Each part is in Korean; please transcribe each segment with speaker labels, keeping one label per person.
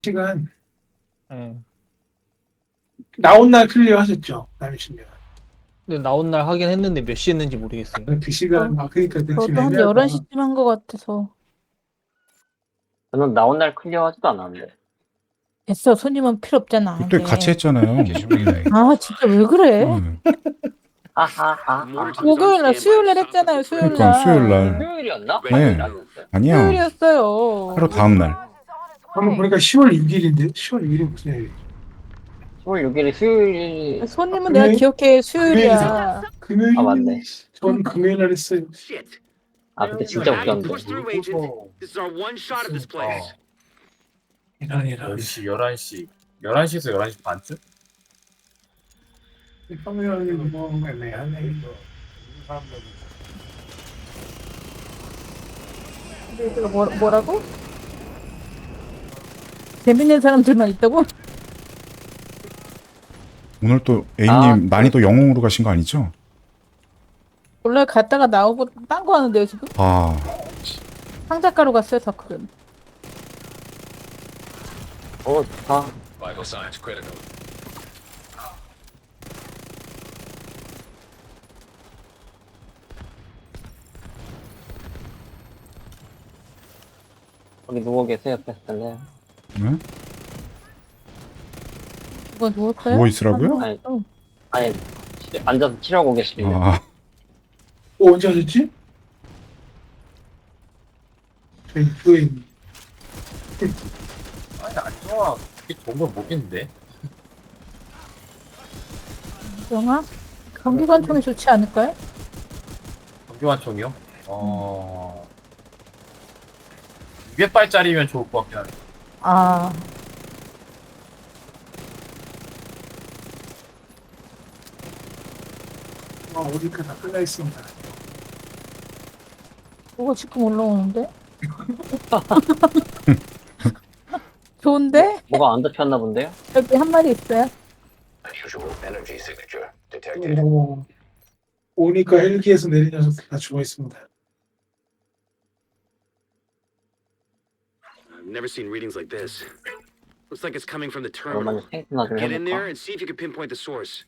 Speaker 1: 시간
Speaker 2: 예.
Speaker 1: 나온 날 클리어 하셨죠? 남이신님.
Speaker 2: 근데 나온 날 하긴 했는데 몇 시 했는지 모르겠어요.
Speaker 1: 그 시간 그러니까 그 지금
Speaker 3: 저도 한
Speaker 1: 애매하다.
Speaker 3: 11시쯤 한 것 같아서.
Speaker 4: 저는 나온 날 클리어하지도 않았는데.
Speaker 3: 됐어, 손님은 필요 없잖아.
Speaker 5: 그때
Speaker 3: 이제.
Speaker 5: 같이 했잖아요.
Speaker 3: 아, 진짜 왜 그래?
Speaker 4: 하하하.
Speaker 3: 목요일날, 수요일날 했잖아요, 수요일날.
Speaker 5: 그러니까 수요일날.
Speaker 4: 토요일이었나?
Speaker 5: 네.
Speaker 4: 아니었어요?
Speaker 5: 아니야.
Speaker 3: 수요일이었어요.
Speaker 5: 하루 다음 날.
Speaker 1: 방금 보니까 10월 6일인데 10월 6일이 무슨 일이에요?
Speaker 4: 10월 6일이 수요일.
Speaker 3: 손님은 내가 기억해, 수요일이야.
Speaker 1: 금요일
Speaker 4: 아, 맞네.
Speaker 1: 전 금요일 날 했어요.
Speaker 4: 아, 그때 진짜 웃겼는데.
Speaker 6: This is our one shot at this place.
Speaker 1: 이런
Speaker 7: 10시, 11시. 11시에서 11시 반쯤?
Speaker 1: 화면이 뭐 애매하네.
Speaker 3: 이거 뭐라고? 재밌는 사람들만 있다고?
Speaker 5: 오늘 또 A님
Speaker 4: 아,
Speaker 5: 난이도 영웅으로 가신 거 아니죠?
Speaker 3: 원래 갔다가 나오고 딴 거 하는데요, 지금?
Speaker 5: 아,
Speaker 3: 상작가로 갔어요, 다크는.
Speaker 4: 좋다.
Speaker 6: Vital signs critical.
Speaker 4: 거기 누워 계세요, 패스텔레.
Speaker 5: 네?
Speaker 3: 누가 누웠어요?
Speaker 5: 누워 있으라고요?
Speaker 4: 아니, 아니, 앉아서 치료하고 계시길래.
Speaker 5: 아,
Speaker 1: 언제 하셨지? 저희 교회
Speaker 7: 아니, 안 좋아. 그게 좋은 걸 모르겠는데.
Speaker 3: 영화? 경기관총이 좋지 않을까요?
Speaker 7: 경기관총이요? 200발짜리면 좋을 것 같긴 한데.
Speaker 3: 아,
Speaker 1: 어디까 다 끝나 있습니다.
Speaker 3: 그거 지금 올라오는데? 좋은데?
Speaker 4: 뭐가 안 잡혔나 본데요?
Speaker 3: 여기 한 마리 있어요.
Speaker 6: Unusual energy signature detected.
Speaker 1: 오니까 헬기에서 내린 녀석들 다 죽어 있습니다.
Speaker 6: I've never seen readings like this. Looks like it's coming from the terminal.
Speaker 4: 오랜만에 생각나 좀
Speaker 6: Get in there
Speaker 4: 해볼까?
Speaker 6: and see if you can pinpoint the source.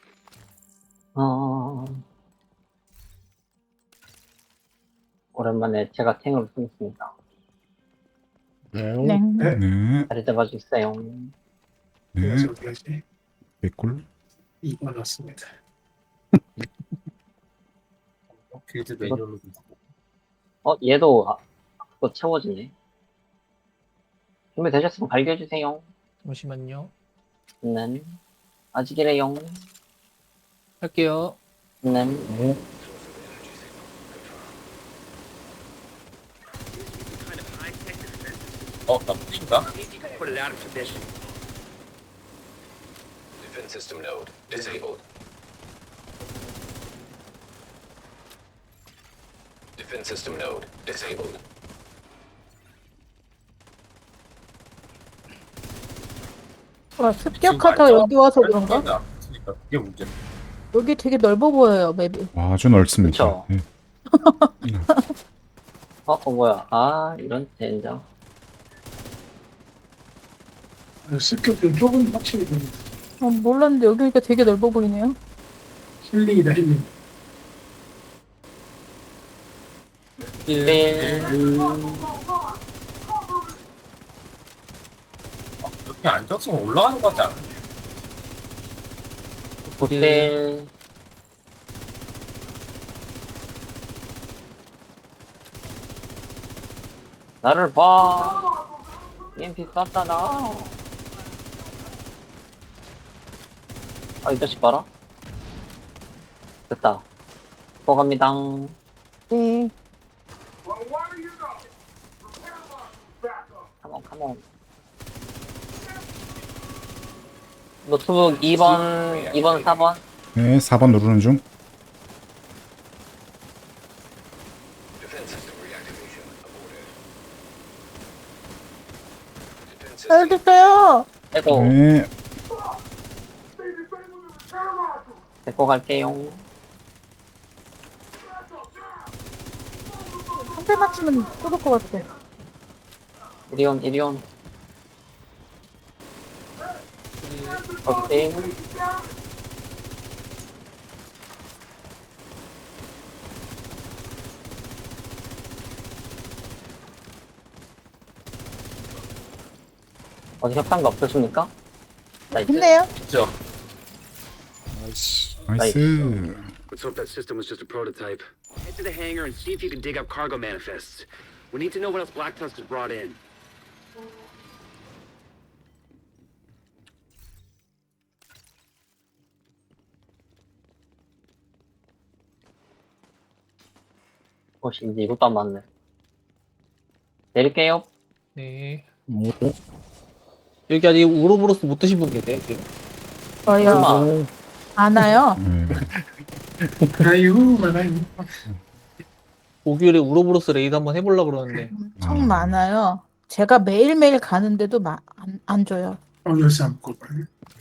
Speaker 4: 오랜만에 제가 탱으로 쓰겠습니다.
Speaker 3: 네.
Speaker 5: 네,
Speaker 4: 자리 잡아주세요.
Speaker 5: 네.
Speaker 1: 그래서 어디까지?
Speaker 5: 개꿀.
Speaker 1: 2번 왔습니다.
Speaker 7: 빌드 매뉴얼로 좀 바꿔.
Speaker 4: 얘도 그거 채워지네. 준비되셨으면 발견해주세요.
Speaker 2: 잠시만요.
Speaker 4: 네. 아직이래요.
Speaker 2: 할게요.
Speaker 4: 네.
Speaker 6: Kind of high-tech defense.
Speaker 7: 나 뿌린가?
Speaker 6: Put it out of condition.
Speaker 8: Defense system node disabled. Defense system node disabled.
Speaker 3: 와, 습격하다 여기 와서 그런가?
Speaker 7: 그러니까 그게 문제.
Speaker 3: 여기 되게 넓어 보여요, 맵이.
Speaker 5: 와, 아주 넓습니다.
Speaker 4: 그쵸?
Speaker 5: 네.
Speaker 4: 뭐야. 이런 젠장.
Speaker 1: 습격도 조금 확실히 됩니다.
Speaker 3: 몰랐는데 여기 오니까 되게 넓어 보이네요.
Speaker 1: 힐링이다 힐링.
Speaker 7: 이렇게 앉아서 올라가는 것 같지 않아?
Speaker 4: 호텔. 나를 봐. EMP 쐈잖아. 이 자식 봐라. 됐다. 들어갑니다.
Speaker 3: 네.
Speaker 4: 컴온. 노트북 2번, 4번.
Speaker 5: 네, 4번 누르는 중.
Speaker 8: Defense system reactivation aborted. Defense
Speaker 3: 잘
Speaker 8: system
Speaker 3: 됐어요.
Speaker 4: 에고,
Speaker 5: 네,
Speaker 4: 데리고 갈게요.
Speaker 3: 한 대 맞추면 쏟을 것 같아.
Speaker 4: 이리온. 오케이. 어디 협상가 없으십니까? 나이스.
Speaker 3: 힘내요.
Speaker 7: 진짜.
Speaker 5: 나이스.
Speaker 6: Let's hope that system was just a prototype. Head to the hangar and see if you can dig up cargo manifests. We need to know what else Black Tusk has brought in.
Speaker 4: 이제 이것도 안 맞네. 내릴게요.
Speaker 2: 네.
Speaker 9: 뭐,
Speaker 2: 여기 아직 우로보로스 못 드신 분 계세요? 지금?
Speaker 3: 저요.
Speaker 4: 설마.
Speaker 3: 안 와요.
Speaker 5: 네.
Speaker 1: 아이고 많아요.
Speaker 2: 목요일에 우로보로스 레이드 한번 해보려고 그러는데
Speaker 3: 엄청 많아요. 제가 매일매일 가는데도 안 줘요.
Speaker 1: 열쇠 안 먹고 빨리.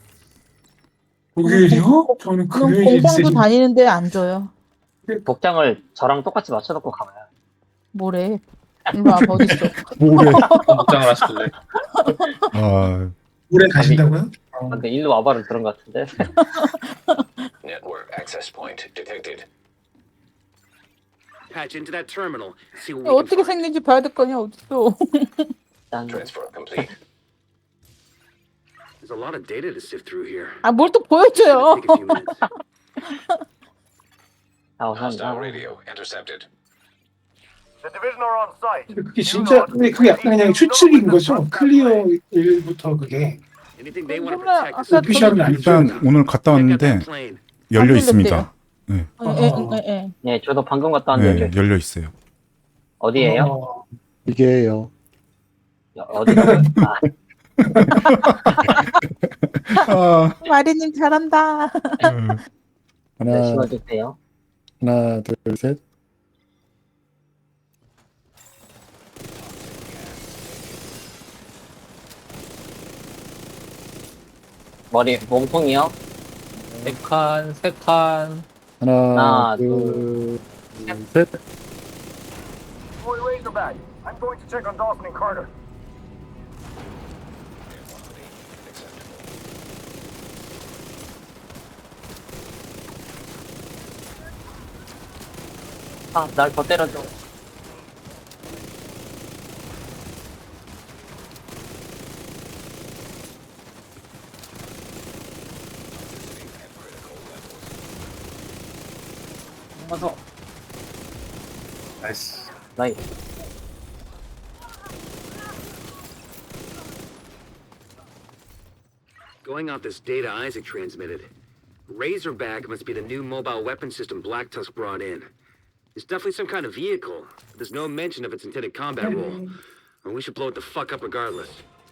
Speaker 1: 목요일이요? 저는
Speaker 3: 그럼
Speaker 1: 금요일
Speaker 3: 공방도
Speaker 1: 있으니.
Speaker 3: 다니는데 안 줘요.
Speaker 4: 복장을 저랑 똑같이 맞춰놓고 가봐요.
Speaker 3: 뭐래? 일로 와봐, 어딨어?
Speaker 5: 뭐래?
Speaker 7: 복장을 하시길래.
Speaker 5: 아,
Speaker 1: 오래 가신다고요?
Speaker 4: 근데 일로 와봐를 들은 것 같은데.
Speaker 8: Network access point detected.
Speaker 6: Patch into that terminal. See what we can
Speaker 3: 어떻게
Speaker 6: find.
Speaker 3: 생긴지 봐야 될 거냐, 어딨어?
Speaker 4: 짠.
Speaker 8: Transfer complete.
Speaker 6: There's a lot of data to sift through here.
Speaker 3: 아, 뭘 또
Speaker 6: It's
Speaker 3: 보여줘요.
Speaker 6: gonna take a few minutes.
Speaker 4: 아,
Speaker 8: Hostile
Speaker 4: 우선
Speaker 8: radio intercepted.
Speaker 1: 그게 진짜 근데 그게 약간 그냥 추측인 거죠. 클리어 1부터 그게
Speaker 6: Anything they want to
Speaker 3: 몰라.
Speaker 6: protect is
Speaker 3: 아까
Speaker 1: 오피셜은 아니죠.
Speaker 5: 일단 오늘 갔다
Speaker 6: check out that
Speaker 5: 왔는데
Speaker 6: plane.
Speaker 5: 열려
Speaker 3: 안
Speaker 5: 있습니다.
Speaker 3: 예.
Speaker 4: 네, 저도 방금 갔다 왔는데
Speaker 5: 네, 열려 있어요.
Speaker 4: 어디에요?
Speaker 9: 이게요.
Speaker 4: 어디가? 아,
Speaker 5: 아,
Speaker 3: 마리님 잘한다.
Speaker 4: 네,
Speaker 9: 하나,
Speaker 4: 심어주세요.
Speaker 9: 하나, 둘, 셋.
Speaker 4: 머리 몸통이요?
Speaker 2: 4칸, 3칸.
Speaker 9: 하나,
Speaker 4: 하나,
Speaker 9: 둘, 셋.
Speaker 4: 아, 날 더 때려줘. 어서.
Speaker 7: 나이스.
Speaker 4: 나이.
Speaker 6: Going off this data Isaac transmitted, Razorback must be the new mobile weapon system Black Tusk brought in. It's definitely some kind of vehicle. But there's no mention of its intended combat role. And we should blow it the fuck up regardless.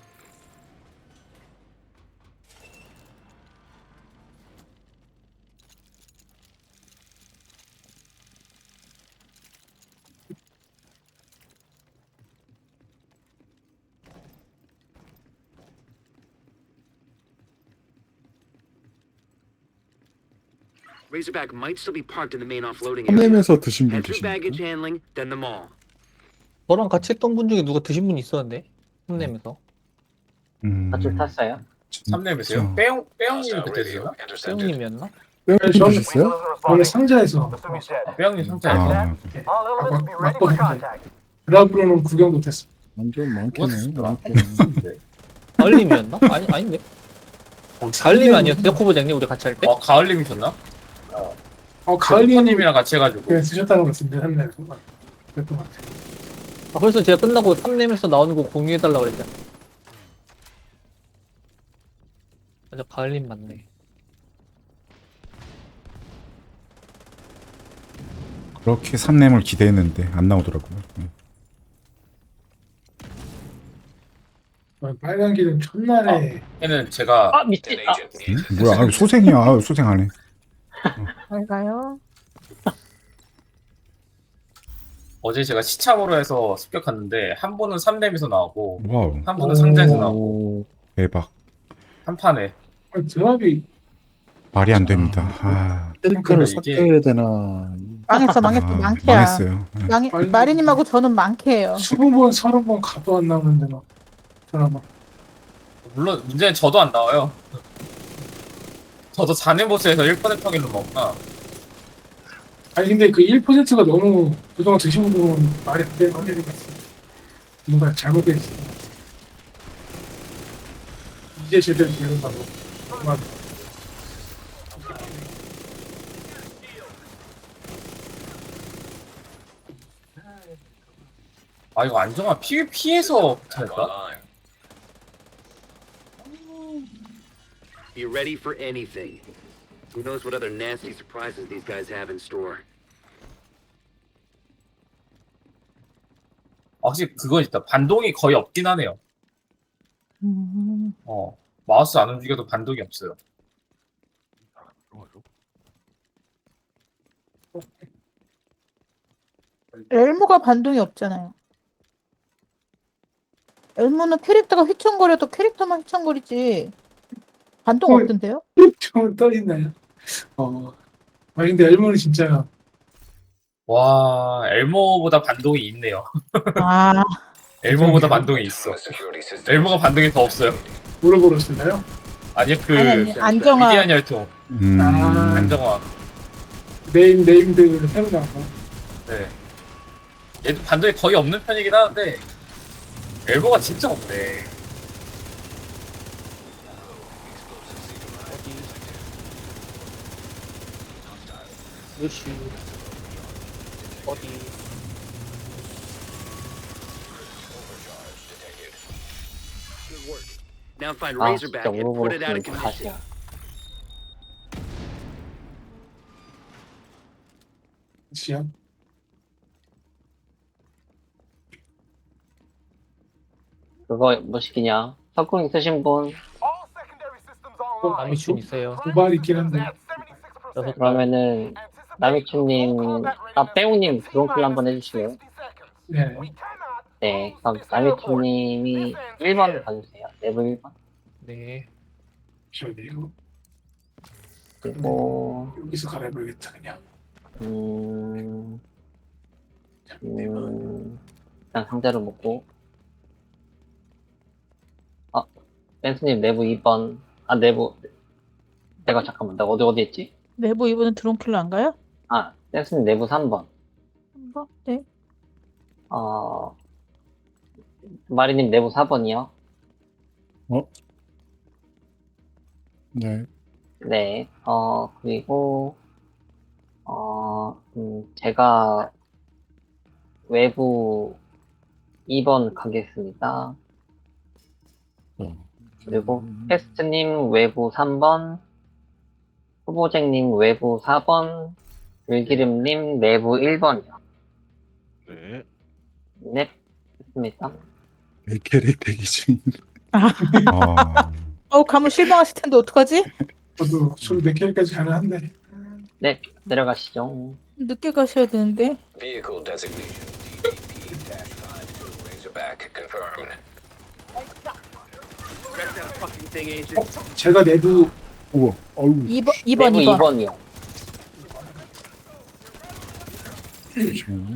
Speaker 6: Razorback might still be parked in the main offloading area.
Speaker 9: 한nem에서 드신 분
Speaker 6: Head through baggage
Speaker 9: 계십니까?
Speaker 6: handling, then the mall.
Speaker 2: 저랑 같이 했던 분 중에 누가 드신 분이 있었는데 홈nem에서
Speaker 4: 밧줄 탔어요?
Speaker 7: 삼렘이세요? 빼용님
Speaker 8: Hostile
Speaker 7: 그때
Speaker 8: radio
Speaker 7: 세요?
Speaker 8: intercepted.
Speaker 2: 세훈님이었나?
Speaker 9: 뺑뺑 드셨어요?
Speaker 1: 원래 상자에서
Speaker 7: 빼용님 상자에서.
Speaker 5: 아,
Speaker 1: 맛보는 드라브로는 구경 못했어.
Speaker 9: 완전 많겠네. 많겠네.
Speaker 7: 네.
Speaker 2: 가을님이었나? 아닌데. 가을님 아니었어요? 코보장님 우리 같이 할 때?
Speaker 7: 가을님이셨나?
Speaker 1: 가을이님
Speaker 7: 손님이랑 같이 해가지고.
Speaker 1: 그냥 드셨다는 것 같은데 한날 그랬던 것 같아요.
Speaker 2: 아, 그래서 제가 끝나고 3렘에서 나오는 거 공유해달라고 그랬잖아. 맞아, 가을님 맞네.
Speaker 5: 그렇게 3렘을 기대했는데 안 나오더라고요.
Speaker 1: 빨간 길은 첫날에
Speaker 7: 얘는 제가
Speaker 4: 아, 미친.
Speaker 8: An
Speaker 4: 아,
Speaker 8: agent needs
Speaker 5: 응? 뭐야? 아, 소생이야. 아, 소생하네.
Speaker 3: 잘 가요.
Speaker 7: 어제 제가 시참으로 해서 습격했는데 한 분은 3렘에서 나오고
Speaker 5: 와우,
Speaker 7: 한 분은 상자에서 나오고
Speaker 9: 오,
Speaker 5: 대박.
Speaker 7: 한 판에
Speaker 1: 드랍이
Speaker 5: 말이 안 됩니다. 아,
Speaker 9: 탱크를
Speaker 7: 이게-
Speaker 9: 섞여야 되나.
Speaker 3: 망했어.
Speaker 5: 아,
Speaker 3: 망해야.
Speaker 5: 망했어요.
Speaker 3: 마리님하고 저는 망해요.
Speaker 1: 20번 30번 가도 안 나오는데 막 드라마
Speaker 7: 물론 문제는 저도 안 나와요. 저도 잔해 보스에서 1% 확률로 먹나.
Speaker 1: 아니 근데 그 1%가 너무 그동안 드신 분은 말이 안 되는 확률인 것 같아요. 뭔가 잘못돼 있어. 이제 제대로 되는다고. 정말.
Speaker 7: 아 이거 안정화 PVP에서
Speaker 8: Back
Speaker 7: 할까?
Speaker 8: online.
Speaker 6: Be ready for anything. Who knows what other nasty surprises these guys have in store.
Speaker 7: 확실히 그건 있다. 반동이 거의 없긴 하네요. 마우스 안 움직여도 반동이 없어요.
Speaker 3: 엘모가 반동이 없잖아요. 엘모는 캐릭터가 휘청거려도 캐릭터만 휘청거리지 반동
Speaker 1: 헐.
Speaker 3: 없던데요?
Speaker 1: 좀 떠있나요? 아니 근데 엘모는 진짜
Speaker 7: 와 엘모보다 반동이 있네요.
Speaker 3: 아,
Speaker 7: 엘모보다 반동이 있어.
Speaker 8: Security system.
Speaker 7: 엘모가 반동이 더 없어요.
Speaker 1: 물어보셨나요?
Speaker 7: 아니요 그
Speaker 3: 아니, 안정화.
Speaker 7: 위대한 혈통
Speaker 1: 아.
Speaker 7: 안정화.
Speaker 1: 네임드 새로 나온 거.
Speaker 7: 네. 얘도 반동이 거의 없는 편이긴 하는데 엘모가 진짜 없네.
Speaker 2: 루시 어디?
Speaker 6: Good work. Now find
Speaker 4: 아
Speaker 6: Razorback
Speaker 4: 진짜
Speaker 6: and put it out of
Speaker 4: 오버로스
Speaker 6: commission.
Speaker 4: 가시야.
Speaker 1: 시야.
Speaker 4: 그거 뭐 시키냐? 석궁 있으신 분
Speaker 2: 남이춘 있어요.
Speaker 1: 고발 있긴 한데.
Speaker 2: 여섯
Speaker 4: 그러면은 남이춘님, 빼옹님 드론클 한번 해주실래요?
Speaker 1: 네.
Speaker 4: 네, 그럼 남이춘님이 1번 가주세요. 레벨 1번.
Speaker 2: 네.
Speaker 1: 저기요.
Speaker 4: 그리고
Speaker 1: 여기서 갈아입어야겠다 그냥.
Speaker 4: 일단 상자를 먹고. 댄스님 내부 2번. 내부. 잠깐만, 내가 어디 했지?
Speaker 3: 내부 이번엔 드론킬러 안 가요?
Speaker 4: 댄스님 내부 3번.
Speaker 3: 한번? 네.
Speaker 4: 마리님 내부 4번이요.
Speaker 9: 네.
Speaker 4: 네, 그리고, 제가 외부 2번 가겠습니다. 그리고 패스트님 외부 3번, 후보쟁님 외부 4번, 들기름님 내부 1번이요.
Speaker 8: 네.
Speaker 4: 네, 됐습니다.
Speaker 9: 내 캐릭 대기 중.
Speaker 3: 가면 실망하실 텐데 어떡하지?
Speaker 1: 저도 술 4개까지 가능한데.
Speaker 4: 네, 내려가시죠.
Speaker 3: 늦게 가셔야 되는데.
Speaker 8: Vehicle designation DDP-52 Razorback confirmed.
Speaker 6: Wreck that fucking thing, Agent.
Speaker 1: 제가 내부
Speaker 9: 우와. 어우.
Speaker 3: 2번.
Speaker 4: 내부 2번이요.
Speaker 9: 잠시만요.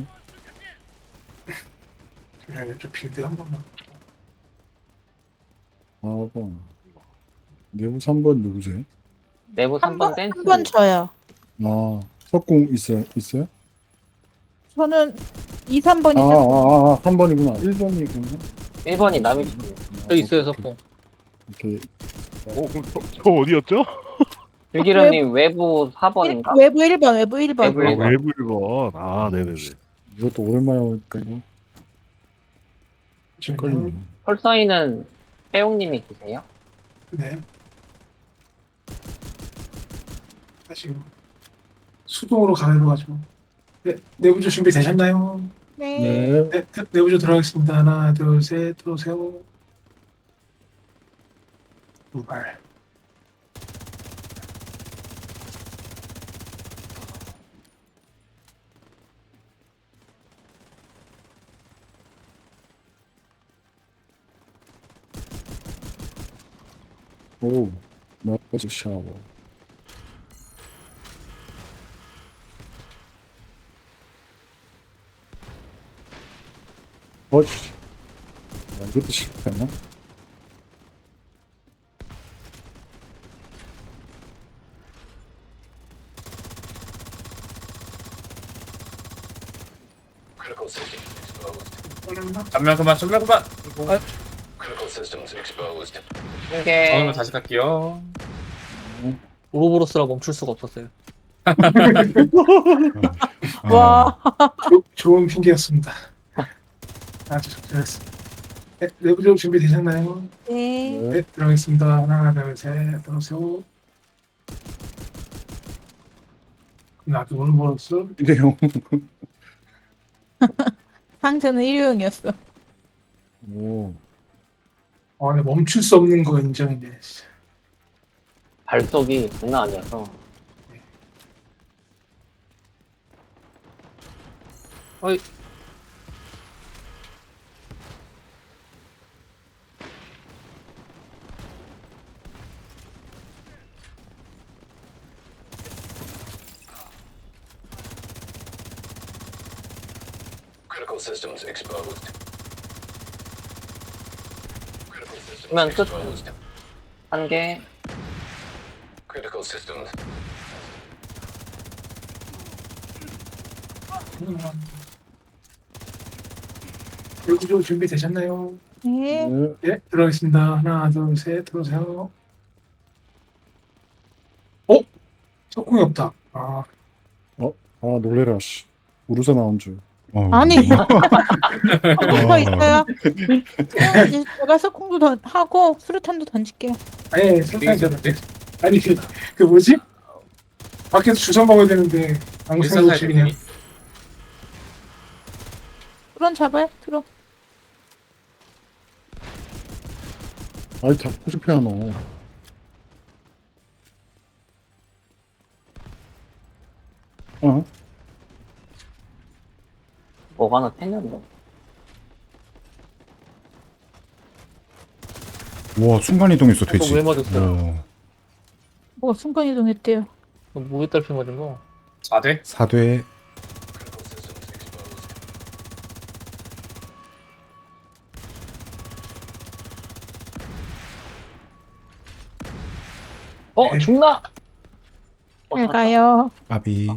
Speaker 1: 저 빌드 한 번만.
Speaker 9: 4번. 내부 3번 누구세요?
Speaker 4: 내부 3번 댄스.
Speaker 3: 3번 저요.
Speaker 9: 석궁 있어요?
Speaker 3: 저는 2, 3번이죠.
Speaker 9: 3번이구나. 1번이구나.
Speaker 4: 1번이 남이춘.
Speaker 2: 여기 있어요, 석봉.
Speaker 9: 이렇게.
Speaker 10: 저 어디였죠?
Speaker 4: 들기름님 외부 4번인가?
Speaker 3: 외부 1번, 외부 1번.
Speaker 4: 외부 1번.
Speaker 10: 외부 1번. 아, 네네네.
Speaker 9: 이것도 오랜만에 오니까요. 헷갈리네.
Speaker 4: 펄서이는 빼옹님이 계세요?
Speaker 1: 네. 다시 수동으로 갈아입어가지고. 네, 내부조 준비 되셨나요?
Speaker 3: 네.
Speaker 1: 네, 내부조 들어가겠습니다. 하나, 둘, 셋, 들어오세요. 두발.
Speaker 9: 오. 나까지 샤워. 씨. 이것도 실패하나?
Speaker 8: Critical systems exposed.
Speaker 7: 전면 그만.
Speaker 8: Critical systems exposed.
Speaker 4: 한개
Speaker 7: 저는 다시 갈게요.
Speaker 2: 오로보로스라 멈출 수가 없었어요.
Speaker 3: 와.
Speaker 1: 좋은 핑계였습니다. 아주 적절했습니다. 네, 내부적 준비되셨나요?
Speaker 3: 네.
Speaker 1: 네, 들어가겠습니다. 하나, 둘, 셋, 들어오세요. 나도 오늘 벌었어.
Speaker 9: 이래요.
Speaker 3: 상태는 일회용이었어.
Speaker 9: 오.
Speaker 1: 네, 멈출 수 없는 거 인정이네. 진짜.
Speaker 4: 발속이 장난 아니어서
Speaker 2: 어이.
Speaker 8: Critical systems exposed. Critical systems
Speaker 4: 그러면 끝.
Speaker 8: exposed.
Speaker 4: 한개
Speaker 8: Critical systems.
Speaker 1: 내부적 준비되셨나요?
Speaker 3: 네.
Speaker 9: 네.
Speaker 1: 네, 들어가겠습니다. 하나, 둘, 셋, 들어오세요. 석궁이 없다.
Speaker 9: 아, 놀래라, 씨. 우르사 나온 줄.
Speaker 3: 아니. 뭐가
Speaker 5: 어.
Speaker 3: 있어요? 이제 제가 석궁도 하고 수류탄도 던질게요.
Speaker 1: 아니, 설탕이잖아. 아니, 그 뭐지? 밖에서 주워 먹어야 되는데, 아무 생각 없이 그냥.
Speaker 3: 드론 잡아요. 드론.
Speaker 9: 아이, 다 포즈피아 너. 어?
Speaker 4: 뭐가 하나 탱겼네.
Speaker 5: 와 순간 이동했어 돼지.
Speaker 2: 왜 맞았어요?
Speaker 3: 뭐 순간 이동했대요.
Speaker 2: 뭐에 딸피 맞은 거?
Speaker 7: 4대?
Speaker 5: 4대
Speaker 8: Critical systems exposed.
Speaker 4: 죽나?
Speaker 3: 잘 가요.
Speaker 5: 까비.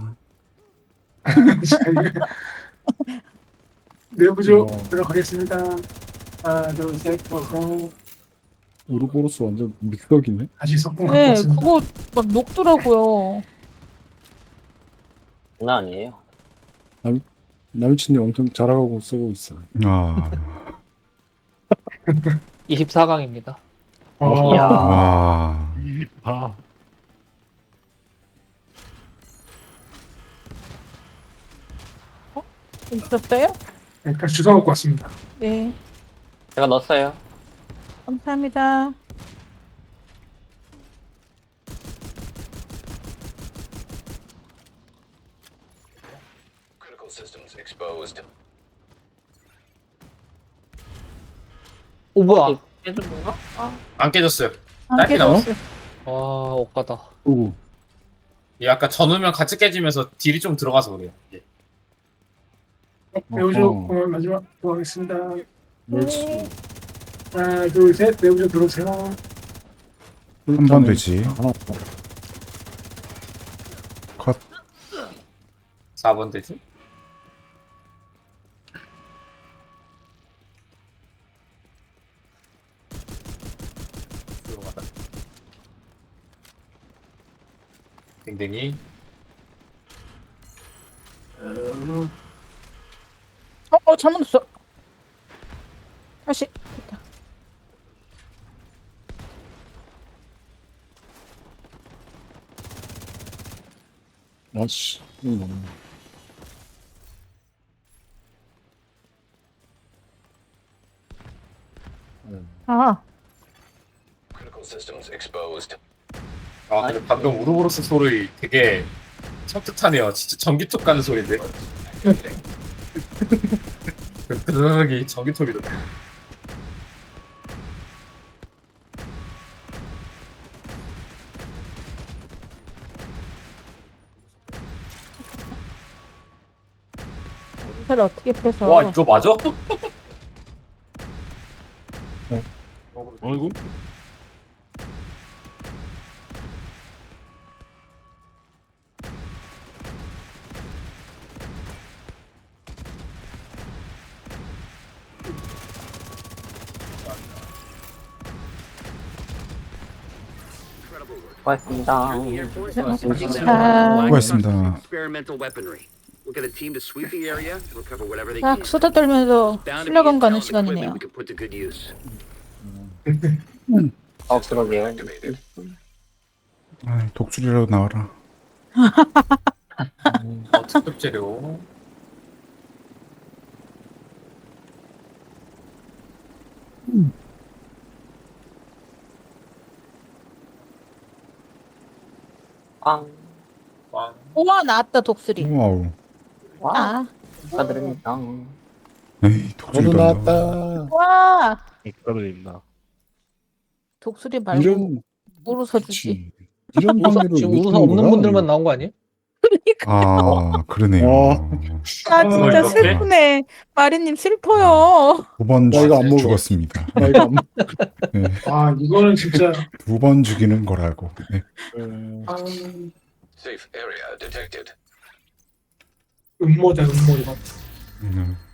Speaker 1: 내부적
Speaker 9: 어.
Speaker 1: 들어가겠습니다. 하나, 둘, 셋, 들어오세요.
Speaker 9: 우르보로스 완전 믹서기네?
Speaker 1: 다시 석궁 갖고
Speaker 3: 네,
Speaker 1: 왔습니다.
Speaker 3: 그거 막 녹더라고요.
Speaker 4: 장난 아니에요.
Speaker 9: 남친이 엄청 잘하고 쓰고 있어.
Speaker 5: 아.
Speaker 2: 24강입니다.
Speaker 4: 이야.
Speaker 5: 와.
Speaker 10: 아,
Speaker 3: 있었어요?
Speaker 1: 네, 다시 주워 먹고 왔습니다.
Speaker 3: 네.
Speaker 4: 제가 넣었어요.
Speaker 3: 감사합니다.
Speaker 8: Critical systems exposed.
Speaker 2: 오 뭐야?
Speaker 4: 깨준 건가?
Speaker 7: 안 깨졌어요.
Speaker 3: 안
Speaker 7: 딸기
Speaker 3: 깨졌어요.
Speaker 2: 와 억까다.
Speaker 9: 오.
Speaker 7: 이 아까 전우면 같이 깨지면서 딜이 좀 들어가서 그래요. 예.
Speaker 1: 내부적
Speaker 9: 어허.
Speaker 1: 마지막 들어가겠습니다.
Speaker 9: 멸치.
Speaker 1: 하나, 둘, 셋, 내부적 들어오세요.
Speaker 5: 한 번 되지.
Speaker 9: 하나.
Speaker 5: 컷.
Speaker 7: 4번 되지? 들어가다. 댕댕이.
Speaker 3: 잘못 넣었어. 다시. 됐다.
Speaker 9: 아씨. 이거 너무.
Speaker 3: 아,
Speaker 8: Critical systems exposed.
Speaker 7: 아 근데 방금 우르보로스 소리 되게 섬뜩하네요. 진짜 전기톱 가는 소리인데. 드르륵이 전기톱이 나.
Speaker 3: 이걸 어떻게 빼서?
Speaker 7: 와 이거 맞아?
Speaker 10: 어이구.
Speaker 4: 고맙습니다.
Speaker 5: 수고하셨습니다.
Speaker 6: Experimental weaponry. We'll get a team to sweep the area and recover whatever they
Speaker 3: 딱
Speaker 6: can.
Speaker 3: 수다 떨면서
Speaker 6: Bound to be
Speaker 3: 실력은 가는
Speaker 6: intel and
Speaker 3: 시간이네요.
Speaker 6: equipment we can put to good use.
Speaker 4: 그러게요.
Speaker 5: 아, 독수리라도 나와라.
Speaker 7: 특급 재료.
Speaker 4: 빵.
Speaker 7: 왕.
Speaker 3: 우와 나왔다 독수리.
Speaker 5: 와우.
Speaker 4: 와,
Speaker 3: 아,
Speaker 4: 축하드립니다.
Speaker 5: 에이,
Speaker 9: 저도
Speaker 5: 독수리도 나와.
Speaker 9: 나왔다.
Speaker 3: 와
Speaker 10: 축하드립니다.
Speaker 3: 독수리 말고
Speaker 9: 이런
Speaker 3: 우르서 주지.
Speaker 9: 그치. 이런 확률을
Speaker 2: 지금
Speaker 9: 왜
Speaker 2: 우르사
Speaker 9: 주는
Speaker 2: 없는
Speaker 9: 거야?
Speaker 2: 분들만 나온 거 아니에요?
Speaker 5: 아, 그러네요.
Speaker 3: 아 진짜
Speaker 7: 이렇게?
Speaker 3: 슬프네. 마리님 슬퍼요.
Speaker 5: 2번
Speaker 9: 나 이거 안 먹어.
Speaker 5: 죽었습니다.
Speaker 9: 나 이거 안
Speaker 5: 네,
Speaker 1: 아 이거는 진짜
Speaker 5: 2번 죽이는 거라고. 네.
Speaker 1: 아,
Speaker 8: Safe area detected.
Speaker 1: 음모다 음모 이거.
Speaker 5: 음.